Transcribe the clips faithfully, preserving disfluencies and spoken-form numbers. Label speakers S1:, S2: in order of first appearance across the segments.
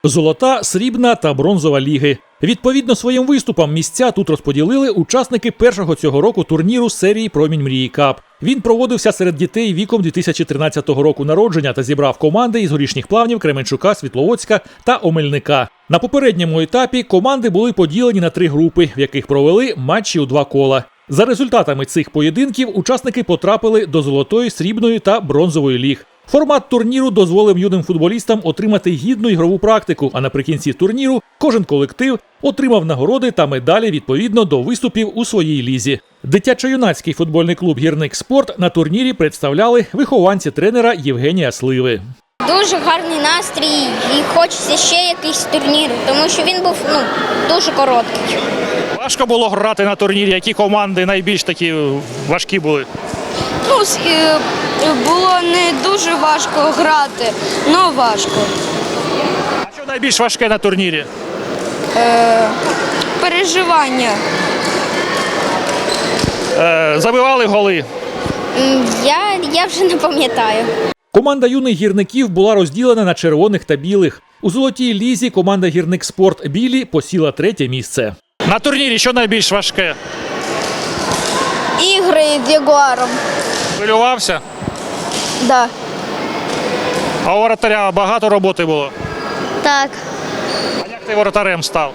S1: Золота, срібна та бронзова ліги. Відповідно своїм виступам місця тут розподілили учасники першого цього року турніру серії «Промінь мрії Кап». Він проводився серед дітей віком дві тисячі тринадцятого року народження та зібрав команди із Горішніх Плавнів, Кременчука, Світловодська та Омельника. На попередньому етапі команди були поділені на три групи, в яких провели матчі у два кола. За результатами цих поєдинків учасники потрапили до золотої, срібної та бронзової ліг. Формат турніру дозволив юним футболістам отримати гідну ігрову практику, а наприкінці турніру кожен колектив отримав нагороди та медалі відповідно до виступів у своїй лізі. Дитячо-юнацький футбольний клуб «Гірник Спорт» на турнірі представляли вихованці тренера Євгенія Сливи.
S2: Дуже гарний настрій і хочеться ще якийсь турнір, тому що він був ну, дуже короткий.
S3: Важко було грати на турнірі? Які команди найбільш такі важкі були?
S4: Ну, було не дуже важко грати, але важко.
S3: А що найбільш важке на турнірі?
S4: Е, переживання.
S3: Е, забивали голи?
S2: Я, я вже не пам'ятаю.
S1: Команда юних гірників була розділена на червоних та білих. У золотій лізі команда «Гірник Спорт» білі посіла третє місце.
S3: На турнірі що найбільш важке?
S4: Ігри з Ягуаром.
S3: Хвилювався?
S4: Да.
S3: А у воротаря багато роботи було?
S2: Так.
S3: А як ти воротарем став?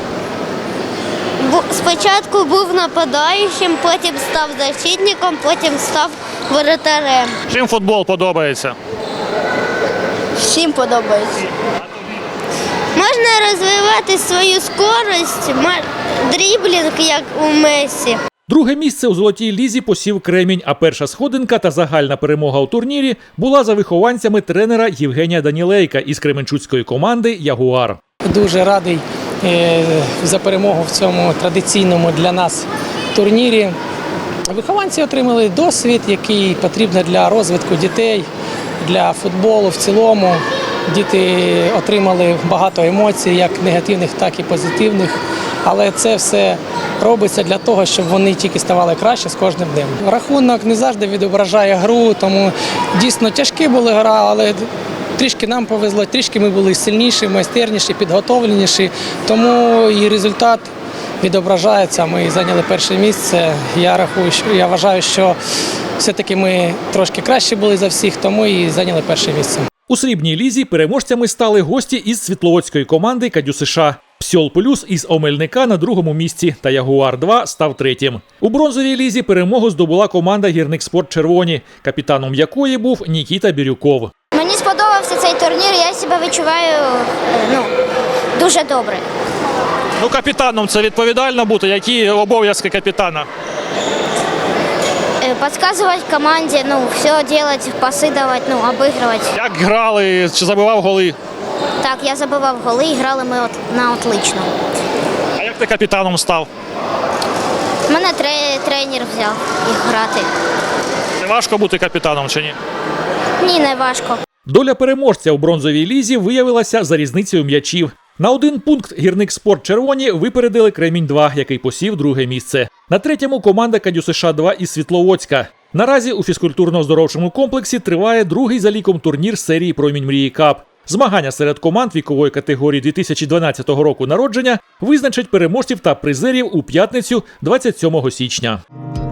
S2: Спочатку був нападаючим, потім став защитником, потім став воротарем.
S3: Чим футбол подобається?
S4: Всім подобається.
S2: Можна розвивати свою скорость, дріблінг, як у Месі.
S1: Друге місце у золотій лізі посів Кремінь, а перша сходинка та загальна перемога у турнірі була за вихованцями тренера Євгенія Данілейка із кременчуцької команди «Ягуар».
S5: Дуже радий за перемогу в цьому традиційному для нас турнірі. Вихованці отримали досвід, який потрібен для розвитку дітей, для футболу в цілому. Діти отримали багато емоцій, як негативних, так і позитивних. Але це все робиться для того, щоб вони тільки ставали краще з кожним днем. Рахунок не завжди відображає гру, тому дійсно тяжкі були гра, але трішки нам повезло, трішки ми були сильніші, майстерніші, підготовленіші, тому і результат відображається. Ми зайняли перше місце. Я рахую, що я вважаю, що все-таки ми трошки краще були за всіх, тому і зайняли перше місце.
S1: У срібній лізі переможцями стали гості із світловодської команди «Кадю США». «Псьол Плюс» із Омельника на другому місці та «Ягуар-два» став третім. У бронзовій лізі перемогу здобула команда «Гірник Спорт Червоні», капітаном якої був Нікіта Бірюков.
S2: Мені сподобався цей турнір, я себе відчуваю ну, дуже добре.
S3: Ну, капітаном це відповідально бути. Які обов'язки капітана?
S2: Подсказывать команде, ну, все делать, пасы давать, ну, обыгрывать.
S3: Як грали, чи забивав голи?
S2: Так, я забивав голи і грали ми от, на отлично.
S3: А як ти капітаном став?
S2: Мене тре- тренер взяв їх грати.
S3: Не важко бути капітаном чи ні?
S2: Ні, не важко.
S1: Доля переможця у бронзовій лізі виявилася за різницею м'ячів. На один пункт «Гірник Спорт Червоні» випередили Кремінь-два, який посів друге місце. На третьому команда «Кадю США-два» із Світловодська. Наразі у фізкультурно-оздоровчому комплексі триває другий за ліком турнір серії «Промінь мрії Кап». Змагання серед команд вікової категорії дві тисячі дванадцятого року народження визначать переможців та призерів у п'ятницю двадцять сьомого січня.